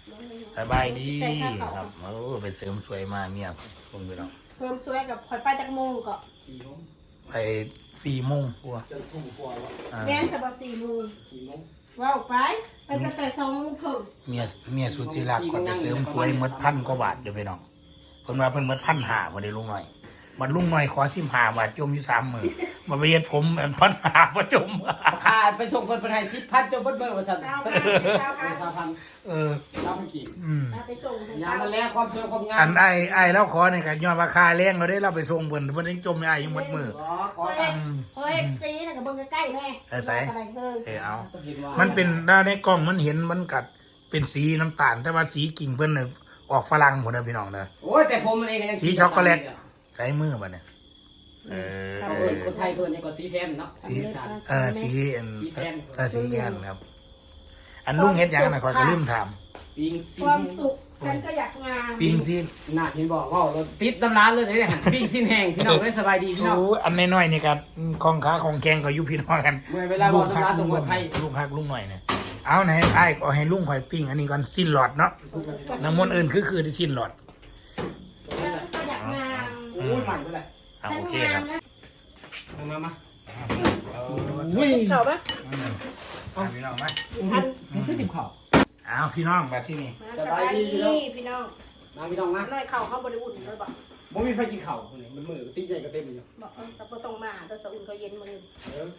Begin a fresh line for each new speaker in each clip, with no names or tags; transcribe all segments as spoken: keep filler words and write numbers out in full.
สบายดีครับโอ้ไปเสริมสวยมาเมียคงไปแล้ว
เพิ่มสวยกับคอยไปจากโมงก็
ไปสี่โมงกว่า
แม่นสบายสี่โมงว้าวไปไปตั้งแต่สองโมงครึ่ง
เมียเมียสุดที่รักก่อนไปเสริมสวยหมดพันกว่าบาทเดี๋ยวไปน้องเพิ่นมาเพิ่นหมดพันห้าวันนี้ลุงหน่อยมันลุงหน่อยขอสิบห้าบาทจมอยู่สามมือมาไปเย็ดผมอันพันห้ามาจม
ขาดไปส่งคนไปไทยสิบพันจนเบิ้ลเบิ้ลวันสัน
เก้าพันเก้าพัน
สามพัน
เออ
เก้าพันกี่
อืม
ไปส่งถึง
ยามาแล้วความสวยความงาม
อันไอ้ไอ้แล้วขอในการย้อนราคาแรงเราได้เราไปส่งเพิ่นเพิ่นยังจมไอ้ยังหมดมือ
ขอขอ
เฮ้ยเฮ้ยซีนะกับเบิ้งใกล้ๆแม่เ
เออเอามันเป็นด้านในกล้องมันเห็นมันกัดเป็นสีน้ำตาลแต่ว่าสีกิ่งเพิ่นน่ะออกฝรั่งหมดนะพี่น้องเด้อ
โอ้ยแต่ผมมันเองยัง
สีช็อกโกแลตใส่มือบ่เนี่ยเออ
เขาเอิ้นคนไทยคนนี้ก็สีแทนเนาะ
สีเออสีอันเออสีแกนครับ อันลุงเฮ็ดหยังน่ะขอยก็ลืมถาม
ปิงซี
ความสุขฉันก็อยากงาน
ปิงซี
น่าเห็นบอกว่าเราติดตำร้านเลยเนี่ยปิงสิ้นแห้งพี่น้องได้สบายดีพี่น้อง
โอ้อันน้อยๆนี่ก็ของค้าของแกงก็อยู่พี่น้องกัน
เมื่อเวลาบอกตำร้านตรงคนไทย
ลูกฮักลุงหน่อยเนี่ยเอาไหนไอ้ก็ให้ลุงข่อยปิ้งอันนี้ก่อนสิ้นหลอดเนาะน้ำมันต์อื่นคือคือที่สิ้นหลอด
ฉันก็อยากงาน
โอ้ยใหม่ไปเลย
อ่ะ
ฉัน
โอเค
งา
ครั
น
บ
นะ
มามา
วิ่ง
เข่าปะ
พี่น้องไหม
ทัน
ไม่ใช่ติ่มข่าว
เอาพี่น้องแบบที่นี่
สบายดีพี่น้อง
มาพี่น้องนะ
น้อยเข่าเขาบริอุ่นเลยบอก
บ่มีไฟกินข่าวคนนี้มันมือติ้งใหญ่ก็เต็มอยู่
บอกแต่ก็ต้องมาแต่สอุ่นเขาเย็นมือ
เออ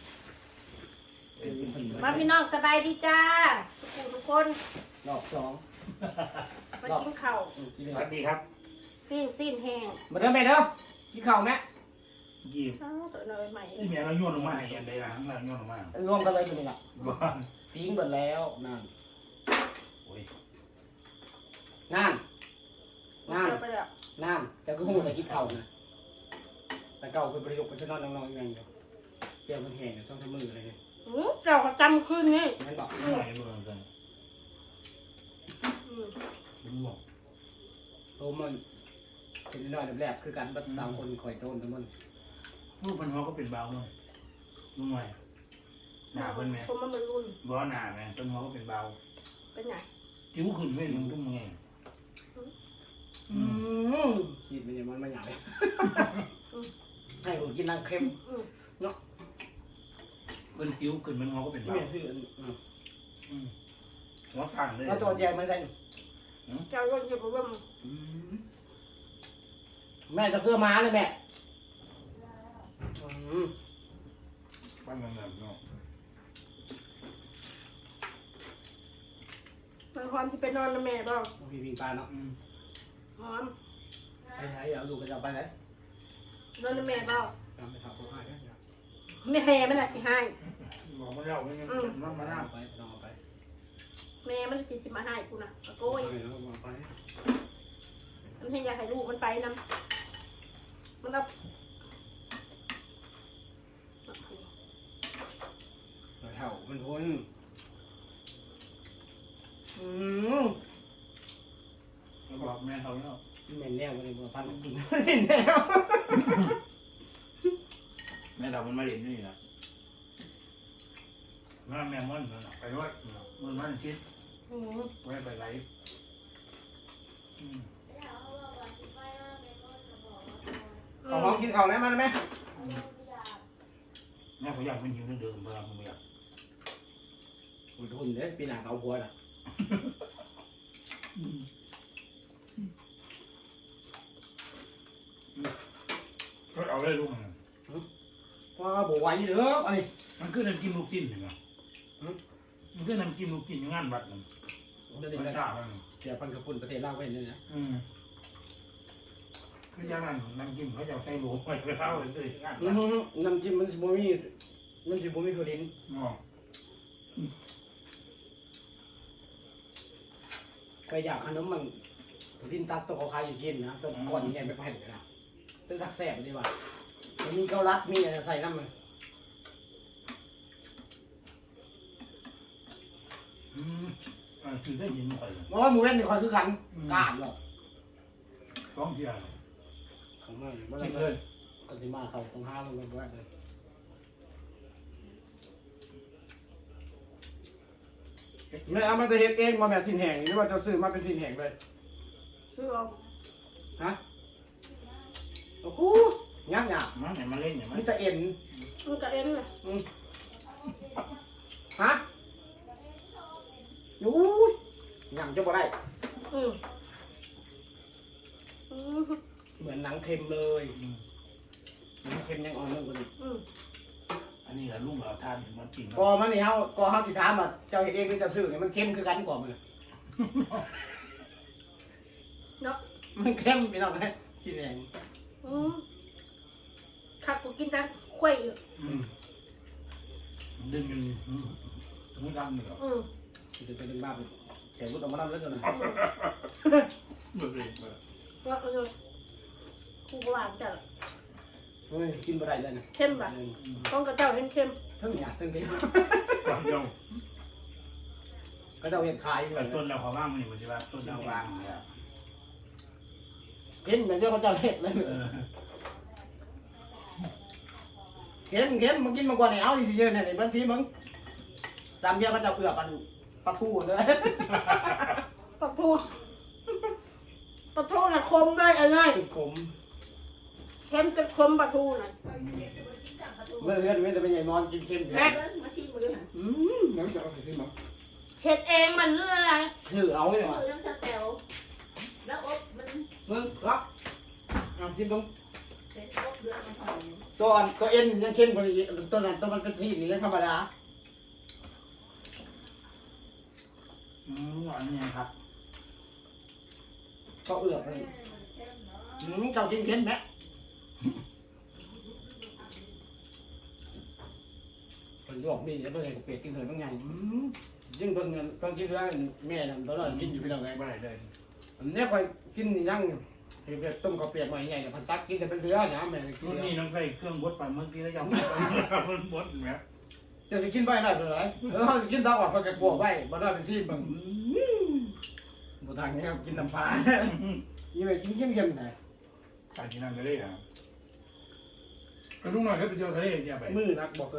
มาพี่น้องสบายดีจ้าทุกคนทุกคน
รอบสอง
มากินข้าว
สวัสดีครับ
ปิ้งซีนแห้ง
มาเด้อแม่เด้อกินข่าวแม่
ยี่
เอ้าตัวน้อยใหม่
ที่เมียเราโยนลงมาให้อันใดล่ะข้างล่างโยนลงมาร
วมกันเลยคนนี้ล่ะ
บ้าน
ปิ้งหมดแล้วนั่น
โอ้ย
นั่นนั่น
ไปแล้ว
นั่นแต่ก็หูแต่กินข่าวนะแต่เก่าคือประโยคเป็นชนอนน้องๆยังอยู่เกี่ยวมันแห้งช่องทำมืออะไรเนี่ย
อือเราก็จำขึ้นนี่
นั่นบอก
หน่อยมือกัน
อืม
ลุงบอก
โตมันเป็นน้อยแรกคือการบัดตามคนคอยโตนทั้งมัน
ลูกพันหัวก็เป็นเบาเลยลุงหน่อยหนาเพิ่นไหม
ผมมันมันรุ่น
บ่หนาไหมต้นหัวก็เป็นเบา
เป็นไง
จิ้วขึ้นไม่ลุงตุ้มไง
อืมขีดมันยังมันไม่ใหญ่ให้ผมกินน้ำเค็ม
อืม
เพิ่นจิ้วขึ้นมันหัวก็เป็นเบา
แม่ชื่อ
หัวต่างเลย
แล้วตัวแจมันใส่
เจ้าก็จะบอกว่า
แม่จะเกลือม้าเลยแม่อืม
บ้านนั้นเนาะ
มันความที่ไปนอนนะแม่บอก
พี่พิงปลาเนาะ
หอม
ไปไหนเอาลูกกระจับไปไหน
นอนนะแม่บอก
จำไปถามพ่อให้นะ
ไม่แห่มันอะสิให้
บอกมาแล้วไม่งั้นมันมาหน้า
ไปลองไป
แม่มันสิสิมาให้กูนะโก้ย
ไปแล้วลองไป
มันให้อยากให้ลูกมันไปนำมันเอา
แถวมันทนอืม
บอกแม่เขาเนาะ
เหม็นแน่วันนี้บัวพันกินเหม็นแน่
แม่เรามันมาเรียนนี่นะแม่แม่มันไปวัดมันมันคิด
อืม
ไว้ไปไหล
เอาห้องกินข้าวแล้วมันไหม
แม่เขาอยากมันหิวเดิมเมื่อผมอยาก
อุ่นทุนเด้ปีหน้าเอาหัวล่ะ
ก็เอาได้ลูกมัน
ว่าบัวไหวเด้ออันนี้
มันคือน้ำจิ้มลูกจิ้นเหรอมันคือน้ำจิ้มลูกจิ้นอยู่งานวัดมัน
เดี๋ยว
มัน
จะ
ด่ามัน
เสียพันกับปุ่นประเทศลาวเป็นนี่นะ
อืมคืออย่างนั้นน้ำจิ้มเขาจะใส่หมูไปไปเล่าเลยงานวัด
น้ำจิ้มมันสิบ่มีมันสิบ่มีคือดิน
อ๋อ
ไปอยากขนมมันดินตัดตัวเขาขายอยู่กินนะตัวก้อนใหญ่ไปแผ่นนะตึ้งตักแสบดีว่ามันมีเกาลัดมีอะไรใส่น้ำมัน
อืมอ่าคือได้ยินไป
เพราะว่าหมูเล่นนี่คอยคือกันกาดหรอก
สองเที่ยว
ของมันเมื่อ
กิน
ไร
เลย
ก็สิมาเขาของห้ามันก็แบบเลยไม่เอามาจะเฮ็ดเองมาแบบสินแห้งหรือว่าจะซื้อมาเป็นสินแห้งเลย
ซื้อเอา
ฮะโอ้โหยากยาก
มันเนี่ยมาเล่นอย่าง
มั
มัน
นจะเอ็น
มันก็เอ็นเลย
อืมฮะยูยยังจะบ่ได้
อืมอืม
เหมือนหนังเค็มเลยหนังเค็มยังอ่อนเรื่องกว่านี้
อืม
อันนี้ก็ลุงเราทานมันจริง
กอมันนี่เฮาก็เฮาสิถามว่าเจ้าเฮ็ดเองหรือเจ้าซื้อนี่มันเค็มคือกันกว่ามัน
เนาะ
มันเค็มพี่น้องนะสินแห้ง
อืมขับกูกินแต่ควยอยู่
ดึงมันมันดำเหรอ
อืม
จะจะดึงมาเป็นแขนรุดออกมาแล้วกันนะ
เบื่อเลย
ว่าเออกูก็หวานจัด
เฮ้ยกินบ่ได้เลยนะ
เข้มแบบต้องกระเจ้าเข้มเข้ม
ทั้งหยาดทั้งเค็ม
ความเจ้า
ก็เจ้าเฮ็ดขายอยู่
แต่ต้นเราเขาว่างมันอยู่ที่ว่าต้นเราว่างเนี่ย
เค็มเหมือนเดียวเขาเจ้าเฮ็ดเลย
เออ
เค็มเค็มมึงกินมาก่อนนี่เอาสิเยอะเนี่ยนี่มันสิมึงตามเดียวเขาเจ้าเกลือปันปลาทูเลย
ปลาทูปลาทูน่ะคมได้อะไร
ติดขม
เข้มจะคมปลาทูน่ะ
เมื่อเฮือนเมื่อจะเป็นใหญ่นอนกินเค็ม
แม่
อืมน้ำจะเอาไปขึ้นมา
เห็ดเองมันเรื่องอะไร
ถือเอาเลยว่ะ
น้ำสเตลแล้วอบมัน
มึงครับเอากินตรง
เป็นอบเดือดมันหอม
ตัวอ่อนตัวเอ็นยังเค็มกว่านี้ตัวนั้นตัวมันเป็นสีนี่ธรรมดา
อืมหวานเนี่ยครับ
ก็เอือกเลยอืมเจ้ากินเค็มไหมคนหยอกมีเดี๋ยวเพื่อนเป็ดกินเถอะบางอย่างอืมยิ่งเพิ่งเงินเพิ่งกินเรื่องแม่นั่นตอนนั้นกินอยู่พี่น้องไง
ไม่ได้เลย
อันนี้คอยกินยังเห็ดต้มข้าวเปียกมาใหญ่ๆพันตักกินแต่เป็นเรือนะแม่กิน
รุ่น
เรือ
นี้น้องใส่เครื่องบดไปเมื่อกี้แล้วยังมันบดเนี่ย
จะสิกินไปได้เลยเออสิกินตาอ่อนเขาจะกลัวไว้บ่ได้เป็นที่บังบ่ทางนี้กินน้ำปลายี่ไปกินเยี่ยมๆหน่อย
การกินนั่นก็ได้นะกระลุงหน่อยก็ไปเที่ยวทะเลอย่าไป
มือนักบอกเลย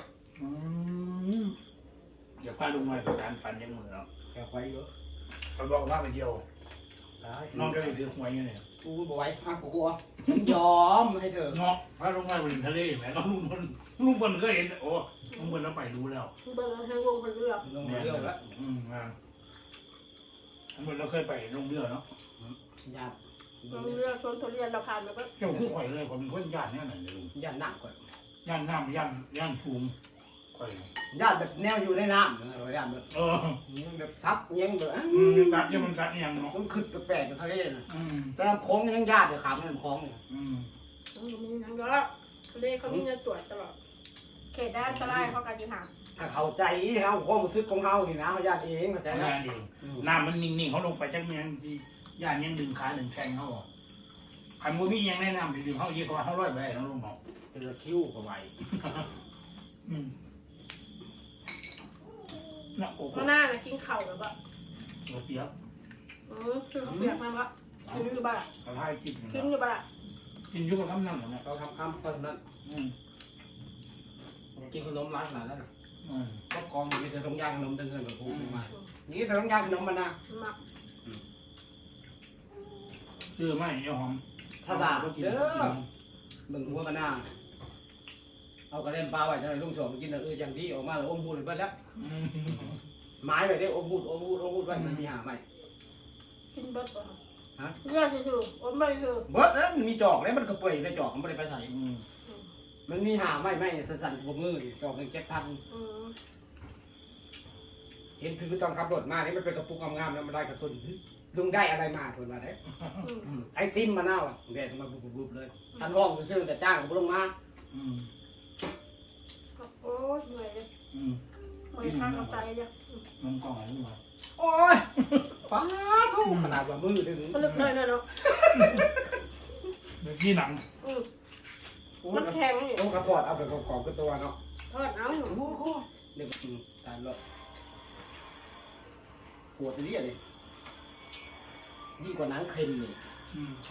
อย่าพลาดลุงหน่อยกับการปั่นยังมือเนาะ
แค่ไว้เยอะ
เขาบอกว่าไปเที่ยว
ได้
น้องก็เลยถือหวยอยู่เนี่ย
กูบ่ไหวอ่ะกูกลัวฉันยอมให้เธอ
เนาะพาลุงหน่อยไปทะเลแหมก็ลุงบนลุงบนก็เห็นโอ้ลุงบนเราไปรู้แล้ว
เบอร์ให้วงคนเลือก
ลงมาเรื่องแล้ว
อืมอ่าลุงบนเราเคยไปลงเรือเนาะ
ญาติ
วงเลือกชนทุเรียนเราผ่านมาก็
เจ้าคือข่อยเลยข่อยเป็นคนย่านเนี่ยไหนเลยลุง
ญาติหนักกว่า
ย่านน้ำย่านย่านฟูมข่อย
ญาติแบบแนวอยู่ในน้ำเออญาติแบบ
เออ
แบบซับยังแบบ
อืมกัดยังมันกัดยังเนาะ
ต้องขึ้นแปลกๆทะเลนะ
อืม
แต่ลำโค้งยังญาติเลยขามลำโค้งเนี่ย
อืม
มีนังเยอะทะเลเขามีเงินตรวจตลอดเขตด้านตะไลเขาการจิหา
ถ้าเข้าใจเฮาความรู้สึกของเฮานี่นะเฮาญาติเองเข้าใจ
แต่
นะ
งานเองน้ำมันนิ่งๆเขาลงไปจักเมียงที่ย่านยังดึงขาดึงแข้งเขาออกขันมือมียังแนะนำดึงเขาเยอะกว่าเขาร้อยไปเขาลงหมอก
เจอคิ้วก็ไว
อืมน่ะโอ้โห
ข้างหน้าน่ะกินเข่าแบบว่า
เราเปียก
อือคือเขาเปียกมันวะกินอยู่บ้าน
เราทายกิน
กินอยู่บ้าน
กินอยุกับคำนั่งเหรอเนี่ย
เขาทำคำเพิ่นนั้น
อืม
กินขนมร้านขนาดนั้นน่ะ
อืม
ก็กองมีแต่ต้องย่างขนมตั้งเงินกับกูมานี่แต่ต้องย่างขนมมันนะ
หมัก
ชื่อไม่เจ้าหอม
ถ้าบาป
ก็กิน
เด้อมึงหัวมันหน้าเอากระเล่นปลาไว้จะได้ลุงสองกินเอออย่างที่ออกมาแล้วอมพูดไปแล้ว
อืม
ไม้ไปได้อมพูดอมพูดอมพูดไว้มันมีหาไหม
กินเบิดป่ะ
ฮะ
เลือดคืออมไม่คือ
เบิดแล้วมันมีจอกแล้วมันก็เปื่อยในจอกมันไม่ได้ไปใส่
อืม
มันมีหาไหมไม่สั่นๆบวมือจอกหนึ่งเจ็ดพัน
อืม
เห็นคือตอนขับรถมานี่มันเป็นกระปุกงามๆแล้วมันได้กระตุนลุงได้อะไรมาคนมาได้
อืม
ไอติมมะนาวแดดมาบุบๆเลยทันห้องซื้อแต่จ้างก็บ่ลงมา
อืม
โอ้ยเหนื่อยเลย
อืม
เหนื่อยข้างกับใจเลย
น้ำกล่องอะไรนี่วะ
โอ้ยฟ้าทุ่ขนาดว่ามือถึง
ก็ลึกเลยนะเนาะ
เมื่อกี้หนัง
อืม
โอ้
มันแข็งนี่
โอ้กระปอดเอาไปกรอบๆกับตัวเนาะ
ทอดเอา
โอ้โหเดี๋ยวอืมตายแล้วปวดนี่อะไรยิ่งกว่าหนังเค็มนี่
อืม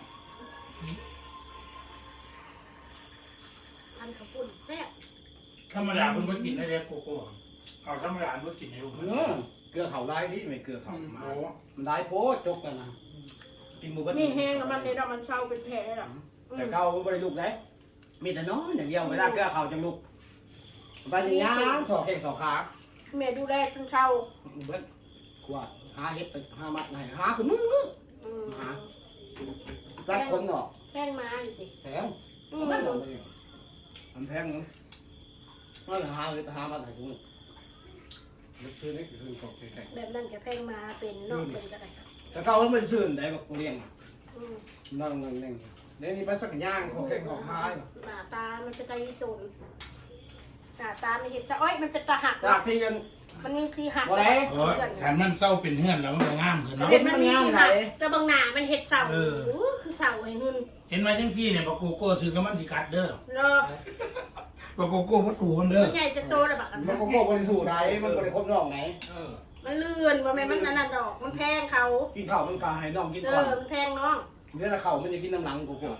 อันขับปุ่นแซ่บ
ธรรมดาเพิ่นบ่กินได้เด้โกโก้เอาธรรมดาเพิ่นกินให้ลูก
เออเกลือเขาได้ดิไม่เกลือเขามา
โอ้
มันได้โพดจกกันนะกินหมูกระ
นี่
ทะ
แห้งแล้วมันเนี่ยมันเช่าเป็นแผลหรอ
แต่เก่าไม่ได้ลูกเลยมีแต่นอนอย่างเดียวเวลาเกลือเขาจังลูกไปอย่างนี้สองแข้งสองขา
แม่ดูแลจนเช่า
เบิ้ลขวดหาเห็ดไปหามัดไหนหาคือมึงหาจัดคนเนาะ
แห้งมาอยู่สิ
แพงมันมันแพงเนาะมันหาเลยหามัดไหนกูซื้อนี่คือของแพง
แบบนั้นจะแห้งมาเป็นนอกเป็นก็ได้
แต่เก่ามันเป็นซื้อได้แบบกูเลี้ยง
อืม
นั่งนั่งนั่งเดี๋ยวนี้ไปสักย่างของแข้งของขา
หน้าตามันเป็นตาอีโจนหน้าตามันเห็นจะอ้อยมันเป็นตาหัก
จากที่กัน
มันมีสีหัก
บ่ได้
โอ้ยคันมันเศร้าเป็นเฮือนแล้วมันก็งามขึ้นเนาะ
เห็นมันมีสีหักจะบางหน้ามันเห็ดเสา
เออ
โอ้คือเสาไอ้นุ่น
เห็นไหมจังพี่เนี่ยบอกโกโก้ซื้อกับมันสิกัดเด้อ
เนาะ
บอกโกโก้วัตถุมันเด้อ
มันใหญ่จะโตเลยบักอัน
มั
นั้น น
ก็โก้บริสุทธิ์ไหนมันบริครบนอกไหน
เออ
มันเลื่อนว่าแม่มันนั่นน่ะดอกมันแพงเขา
กินข้าวมันกาให้น้องกิน
เอ
ก่อ
อน มันแพงน้อง
เดี๋ยวข้าวมันจะกินน้ำหลังกูกู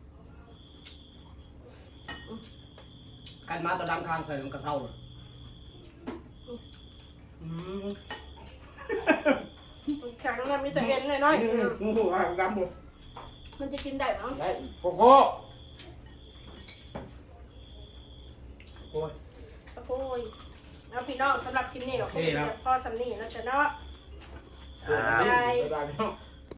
กันมาตะดำคางใส่มันกระเท่าเลย
แข็งเนี่ยมีแต่เอ็นน้อย
งูหัวดำหมด
ๆมันจะกินได้มั้ง
ได้โกโก้
โอ้ย
โอ้ยเอาพี่น้องสำหรับคลิปนี้เราคงจะพอสำนีแล้วจะเนาะ
อ่า
ได้ได้